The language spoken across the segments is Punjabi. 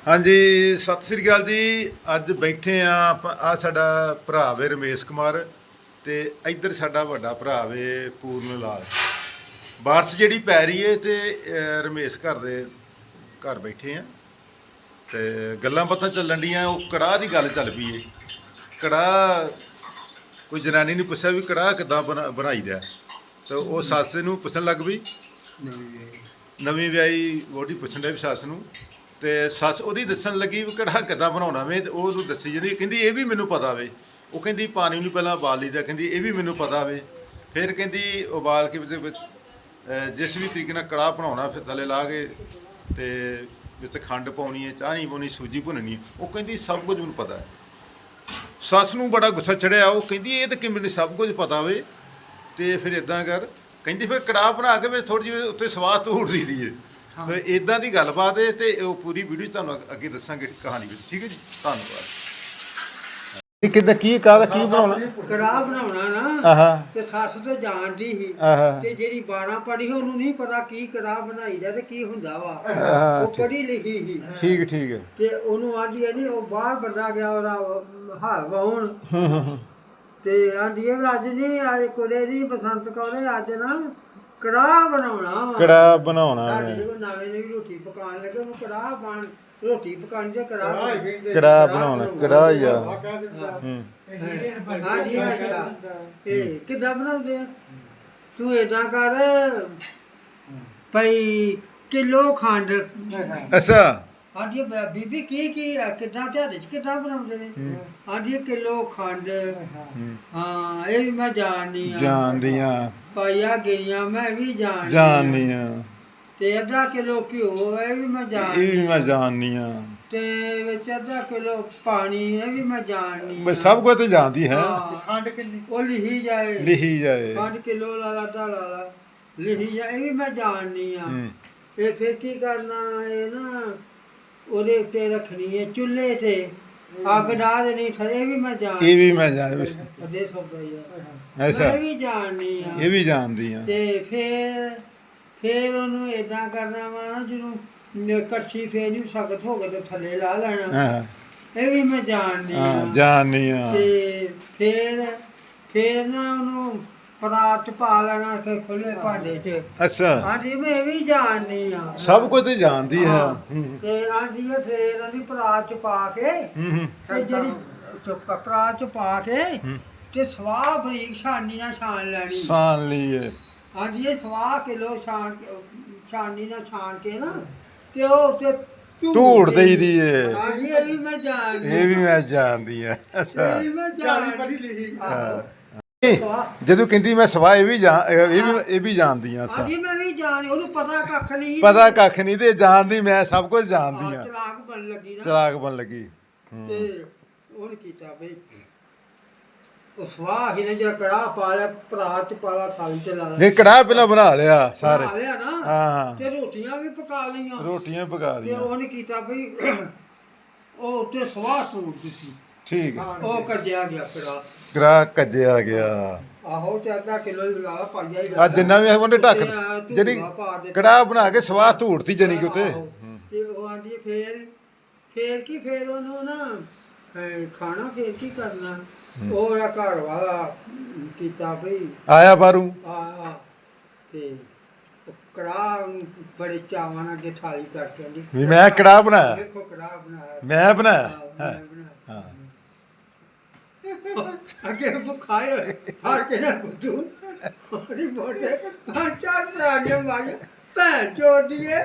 ਹਾਂਜੀ, ਸਤਿ ਸ੍ਰੀ ਅਕਾਲ ਜੀ। ਅੱਜ ਬੈਠੇ ਆ ਆ ਸਾਡਾ ਭਰਾ ਵੇ ਰਮੇਸ਼ ਕੁਮਾਰ ਤੇ ਇੱਧਰ ਸਾਡਾ ਵੱਡਾ ਭਰਾ ਵੇ ਪੂਰਨ ਲਾਲ। ਬਾਰਿਸ਼ ਜਿਹੜੀ ਪੈ ਰਹੀ ਏ ਤੇ ਰਮੇਸ਼ ਘਰ ਬੈਠੇ ਆ ਤੇ ਗੱਲਾਂ ਬਾਤਾਂ ਚੱਲਣ ਡੀਆਂ। ਉਹ ਕੜਾਹ ਦੀ ਗੱਲ ਚੱਲ ਪਈ ਏ। ਕੜਾਹ ਕੋਈ ਜਨਾਨੀ ਨੂੰ ਪੁੱਛਿਆ ਵੀ ਕੜਾਹ ਕਿੱਦਾਂ ਬਣਾਈਦਾ, ਤੇ ਉਹ ਸੱਸ ਨੂੰ ਪੁੱਛਣ ਲੱਗ ਪਈ। ਨਵੀਂ ਵਿਆਹੀ ਵਹੁਟੀ ਪੁੱਛਣ ਡਿਆ ਵੀ ਸੱਸ ਨੂੰ, ਤੇ ਸੱਸ ਉਹਦੀ ਦੱਸਣ ਲੱਗੀ ਵੀ ਕੜਾਹ ਕਿੱਦਾਂ ਬਣਾਉਣਾ ਵੇ, ਤੇ ਉਹ ਉਹਨੂੰ ਦੱਸੀ ਜਾਂਦੀ। ਕਹਿੰਦੀ ਇਹ ਵੀ ਮੈਨੂੰ ਪਤਾ ਵੇ। ਉਹ ਕਹਿੰਦੀ ਪਾਣੀ ਨੂੰ ਪਹਿਲਾਂ ਉਬਾਲ ਲਈਦਾ, ਕਹਿੰਦੀ ਇਹ ਵੀ ਮੈਨੂੰ ਪਤਾ ਵੇ। ਫਿਰ ਕਹਿੰਦੀ ਉਬਾਲ ਕੇ ਜਿਸ ਵੀ ਤਰੀਕੇ ਨਾਲ ਕੜਾਹ ਬਣਾਉਣਾ, ਫਿਰ ਥੱਲੇ ਲਾ ਕੇ ਤੇ ਵਿੱਚ ਖੰਡ ਪਾਉਣੀ ਹੈ, ਚਾਹ ਨਹੀਂ ਪਾਉਣੀ, ਸੂਜੀ ਭੁੰਨਣੀ। ਉਹ ਕਹਿੰਦੀ ਸਭ ਕੁਝ ਮੈਨੂੰ ਪਤਾ ਹੈ। ਸੱਸ ਨੂੰ ਬੜਾ ਗੁੱਸਾ ਚੜਿਆ। ਉਹ ਕਹਿੰਦੀ ਇਹ ਤਾਂ ਕਿਵੇਂ ਸਭ ਕੁਝ ਪਤਾ ਵੇ, ਤੇ ਫਿਰ ਇਦਾਂ ਕਰ। ਕਹਿੰਦੀ ਫਿਰ ਕੜਾਹ ਬਣਾ ਕੇ ਵਿੱਚ ਥੋੜ੍ਹੀ ਜਿਹੀ ਉੱਤੇ ਸਵਾਦ ਧੂੜ ਦੀ ਦੀ ਹੈ। ਇਦਾਂ ਦੀ ਗੱਲਬਾਤ ਹੈ, ਤੇ ਉਹ ਪੂਰੀ ਵੀਡੀਓ ਤੁਹਾਨੂੰ ਅੱਗੇ ਦੱਸਾਂਗੇ ਕਹਾਣੀ ਵਿੱਚ। ਠੀਕ ਹੈ ਜੀ, ਧੰਨਵਾਦ। ਕਿੱਦਾਂ ਕੀ ਕਾਹਦਾ ਕੀ ਬਣਾਉਣਾ? ਕੜਾਹ ਬਣਾਉਣਾ ਨਾ, ਤੇ ਸੱਸ ਤੇ ਜਾਣਦੀ ਸੀ, ਤੇ ਜਿਹੜੀ 12 ਪੜ੍ਹੀ ਉਹਨੂੰ ਨਹੀਂ ਪਤਾ ਕੀ ਕੜਾਹ ਬਣਾਈਦਾ ਤੇ ਕੀ ਹੁੰਦਾ ਵਾ। ਉਹ ਪੜ੍ਹੀ ਲਿਖੀ ਸੀ। ਠੀਕ ਠੀਕ ਹੈ। ਤੇ ਉਹਨੂੰ ਆਂਦੀ ਨਹੀਂ, ਉਹ ਬਾਹਰ ਬੰਦਾ ਗਿਆ ਉਹਦਾ ਹਾਲ ਵਾਉਣ, ਤੇ ਆਂਦੀ ਅੱਜ ਨਹੀਂ ਆਏ ਕੁੜੇ ਦੀ ਬਸੰਤ ਕੌਰੇ ਅੱਜ ਨਾ ਕੜਾਹ ਬਣਾਉਣਾ ਵਾ। ਕੜਾਹ ਬਣਾਉਣਾ ਨਵੇਂ ਨਵੀਂ ਰੋਟੀ ਪਕਾਉਣ ਲੱਗੇ, ਉਹਨੂੰ ਕੜਾਹ ਬਣ ਰੋਟੀ ਪਕਾਉਣੀ ਤੇ ਕੜਾਹ ਬਣਾਉਣਾ। ਕੜਾਹ ਯਾਰ ਹਾਂਜੀ। ਅੱਛਾ, ਇਹ ਕਿੱਦਾਂ ਬਣਾਉਂਦੇ ਆ? ਤੂੰ ਏਦਾਂ ਕਰ ਭਈ ਕਿਲੋ ਖੰਡ। ਅੱਛਾ। ਹਾਂਜੀ ਬੀਬੀ ਕੀ ਕਿੱਦਾਂ ਤੁਹਾਡੇ ਚ ਕਿੱਦਾਂ ਬਣਾਉਂਦੇ ਨੇ? ਹਾਂਜੀ ਕਿਲੋ ਖੰਡ। ਹਾਂ ਇਹ ਵੀ ਮੈਂ ਜਾਣਦੀਆਂ। ਪਾਈਆ ਗਿਰੀਆਂ ਮੈਂ ਵੀ ਜਾਣਦੀਆਂ। ਤੇ ਅੱਧਾ ਕਿਲੋ ਘਿਓ ਇਹ ਵੀ ਮੈਂ ਜਾਣਦੀਆਂ। ਤੇ ਵਿੱਚ ਅੱਧਾ ਕਿਲੋ ਪਾਣੀ ਇਹ ਵੀ ਮੈਂ ਜਾਣਦੀ। ਸਭ ਕੁਝ ਤੇ ਜਾਣਦੀ ਹੈ। ਖੰਡ ਕਿੰਨੀ ਉਹ ਲਿਖੀ ਜਾਏ। ਖੰਡ ਕਿਲੋ ਲਾ ਲਾ ਲਿਖੀ ਜਾਏ, ਇਹ ਵੀ ਮੈਂ ਜਾਣਦੀ ਆ। ਇਹ ਫਿਰ ਕੀ ਕਰਨਾ ਇਹ ਨਾ, ਉਹਦੇ ਉੱਤੇ ਰੱਖਣੀ ਹੈ ਚੁੱਲ੍ਹੇ ਤੇ, ਅੱਗ ਡਾਹ ਦੇਣੀ। ਇਹ ਵੀ ਮੈਂ ਜਾਣਦੀ। ਇਹ ਵੀ ਮੈਂ ਜਾਣਦੀ। ਇਹ ਵੀ ਜਾਣਦੀ ਆ। ਇਹ ਵੀ ਜਾਣਦੀ ਆ। ਤੇ ਫਿਰ ਉਹਨੂੰ ਏਦਾਂ ਕਰਨਾ ਵਾ ਨਾ, ਜਿਹਨੂੰ ਕੜਛੀ ਫੇਰ ਨੂੰ ਸਖਤ ਹੋ ਗਏ ਤੇ ਥੱਲੇ ਲਾ ਲੈਣਾ। ਇਹ ਵੀ ਮੈਂ ਜਾਣਦੀ ਆ। ਤੇ ਫਿਰ ਨਾ ਉਹਨੂੰ ਪਰਾਤ ਚ ਪਾ ਲੈਣਾ ਖੁੱਲੇ ਭਾਂਡੇ ਚ। ਅੱਛਾ। ਹਾਂਜੀ ਮੈਂ ਇਹ ਵੀ ਜਾਣਦੀ ਆ। ਸਭ ਕੁਝ ਤੇ ਜਾਣਦੀ ਹੈ। ਤੇ ਆਂਦੀ ਹੈ ਫਿਰ ਉਹਦੀ ਪਰਾਤ ਚ ਪਾ ਕੇ, ਤੇ ਜਿਹੜੀ ਪਰਾਤ ਚ ਪਾ ਕੇ ਤੇ ਸਵਾਹ ਬਰੀਕ ਛਾਨਣੀ ਨਾਲ ਛਾਣ ਲੈਣੀ। ਛਾਣ ਲਈਏ। ਹਾਂਜੀ ਇਹ ਸਵਾਹ ਕਿਲੋ ਛਾਨਣੀ ਨਾਲ ਛਾਣ ਕੇ ਨਾ, ਤੇ ਉਹ ਉੱਤੇ ਧੂੜ ਦੇਈਦੀ ਏ। ਹਾਂਜੀ ਇਹ ਵੀ ਮੈਂ ਜਾਣਦੀ ਆ। ਅੱਛਾ ਇਹ ਵੀ ਮੈਂ ਜਾਣਦੀ। ਜਦੋਂ ਕਹਿੰਦੀ ਮੈਂ ਸਵਾਹ ਇਹ ਵੀ ਜਾਣਦੀ ਆ। ਹਾਂਜੀ ਮੈਂ ਵੀ ਜਾਣ, ਉਹਨੂੰ ਪਤਾ ਕੱਖ ਨਹੀਂ। ਪਤਾ ਕੱਖ ਨਹੀਂ ਤੇ ਜਾਣਦੀ, ਮੈਂ ਸਭ ਕੁਝ ਜਾਣਦੀ ਆ। ਚਲਾਕ ਬਣ ਲੱਗੀ ਨਾ। ਚਲਾਕ ਬਣ ਲੱਗੀ। ਤੇ ਉਹਨੇ ਕੀਤਾ ਬਈ ਉਹ ਸਵਾਹ ਹੀ ਨੇ ਜਿਹੜਾ ਕੜਾਹ ਪਾ ਲਿਆ, ਪਰਾਤ ਚ ਪਾ ਲਾ, ਥਾਲੀ ਚ ਲਾ ਲਿਆ। ਨਹੀਂ ਕੜਾਹ ਪਹਿਲਾਂ ਬਣਾ ਲਿਆ ਸਾਰੇ। ਬਣਾ ਲਿਆ ਨਾ। ਹਾਂ। ਤੇ ਰੋਟੀਆਂ ਵੀ ਪਕਾ ਲਈਆਂ। ਰੋਟੀਆਂ ਪਕਾ ਤੇ ਲਈਆਂ। ਉਹਨੇ ਕੀਤਾ ਬਈ ਉਹ ਉੱਤੇ ਸਵਾਹ ਟੂਟ ਦਿੱਤੀ। ਠੀਕ। ਉਹ ਕੱਜਿਆ ਗਿਆ ਕੜਾਹ ਕੱਜਿਆ ਗਿਆ। ਆਹੋ ਤੇ ਅੱਧਾ ਕਿਲੋ ਹੀ ਲਾ ਪਾਈਆ ਹੀ ਆ ਜਿੰਨਾ ਵੀ ਉਹਨੇ ਢੱਕ ਜਿਹੜੀ ਕੜਾਹ ਬਣਾ ਕੇ ਸਵਾਹ ਧੂੜਤੀ ਜਣੀ ਕਿ ਉੱਤੇ। ਤੇ ਉਹ ਆਂਦੀ ਫਿਰ ਉਹਨੂੰ ਨਾ ਖਾਣਾ ਫਿਰ ਕੀ ਕਰਨਾ। ਉਹ ਜਿਹੜਾ ਘਰ ਵਾਲਾ ਕੀਤਾ ਬਈ ਆਇਆ ਬਾਹਰੋਂ ਤੇ ਕੜਾਹ ਬੜੇ ਚਾਵਾਂ ਨਾਲ ਅੱਗੇ ਥਾਲੀ ਕਰਕੇ ਆਂਦੀ ਵੀ ਮੈਂ ਕੜਾਹ ਬਣਾਇਆ। ਦੇਖੋ ਕੜਾਹ ਬਣਾਇਆ। ਮੈਂ ਬਣਾਇਆ। ਹਾਂ ਅੱਗੇ ਬੁਖਾਏ ਫੜ ਕੇ ਨਾ ਗੁੱਦੂ ਉਹਦੀ ਬੋਟੇ ਚਾਰ ਪ੍ਰਾਣੀਆਂ ਮਾਰੀ ਭੈਣ ਚੋਦੀਏ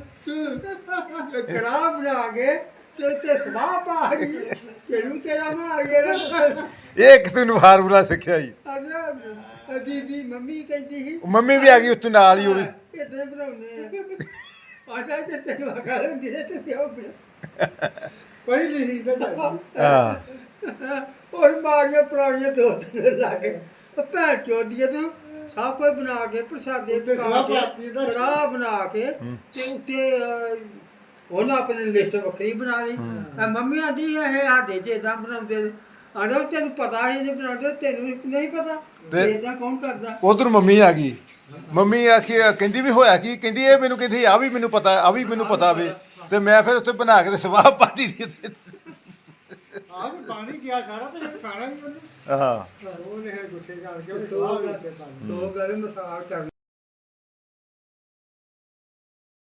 ਕੜਾਹ ਬਣਾ ਕੇ ਤੇ ਸਵਾਹ ਪਾ ਗਈ। ਤੈਨੂੰ ਤੇਰਾ ਮਾਂ ਆਈ ਨਾ ਇਹ ਇੱਕ ਤੈਨੂੰ ਫਾਰਮੂਲਾ ਸਿੱਖਿਆ ਜੀ। ਬੀਬੀ ਮੰਮੀ ਕਹਿੰਦੀ ਸੀ, ਮੰਮੀ ਵੀ ਆ ਗਈ ਉੱਤੋਂ ਨਾਲ ਹੀ। ਉਹ ਵੀ ਇਦਾਂ ਬਣਾਉਂਦੇ ਆ। ਆਜਾ ਤੇ ਤੈਨੂੰ ਕਰਨ ਦੇ ਤੇ ਪਿਓ ਪਹਿਲੀ ਹੀ ਤਾਂ ਹਾਂ। ਔਰ ਮਾਰੀਆਂ ਪੁਰਾਣੀਆਂ ਦੋ ਤਿੰਨ ਲਾ ਕੇ ਭੈਣ ਚੋਦੀਏ ਤੂੰ ਸਭ ਕੁਝ ਬਣਾ ਕੇ ਪ੍ਰਸ਼ਾਦੇ ਪਕਾ ਕੇ ਕੜਾਹ ਬਣਾ ਕੇ ਤੇ ਉੱਤੇ ਉਹਨਾਂ ਆਪਣੀ ਲਿਸਟ ਵੱਖਰੀ ਬਣਾ ਲਈ। ਮੰਮੀ ਆਂਦੀ ਇਹ ਸਾਡੇ ਚ ਏਦਾਂ ਬਣਾਉਂਦੇ। ਆਂਦਾ ਤੈਨੂੰ ਪਤਾ ਹੀ ਨਹੀਂ ਬਣਾਉਂਦੇ, ਤੈਨੂੰ ਨਹੀਂ ਪਤਾ ਏਦਾਂ ਕੌਣ ਕਰਦਾ। ਉਧਰ ਮੰਮੀ ਆ ਗਈ। ਮੰਮੀ ਆਖੀ ਕਹਿੰਦੀ ਵੀ ਹੋਇਆ ਕੀ? ਕਹਿੰਦੀ ਇਹ ਮੈਨੂੰ ਕਹਿੰਦੀ ਆ ਵੀ ਮੈਨੂੰ ਪਤਾ, ਆ ਵੀ ਮੈਨੂੰ ਪਤਾ ਵੇ। ਤੇ ਮੈਂ ਫਿਰ ਉੱਥੇ ਬਣਾ ਕੇ ਤੇ ਸਵਾਹ ਪਾਤੀ ਦੀ ਉੱਤੇ। ਆਹ ਵੀ ਪਾਣੀ ਗਿਆ ਸਾਰਾ ਤੇ ਖਾਣਾ ਵੀ ਉਹਨੇ ਹਾਂ ਉਹਨੇ ਗੁੱਸੇ ਕਰਕੇ ਦੋ ਗੱਲ ਮਸਾਲ ਕਰ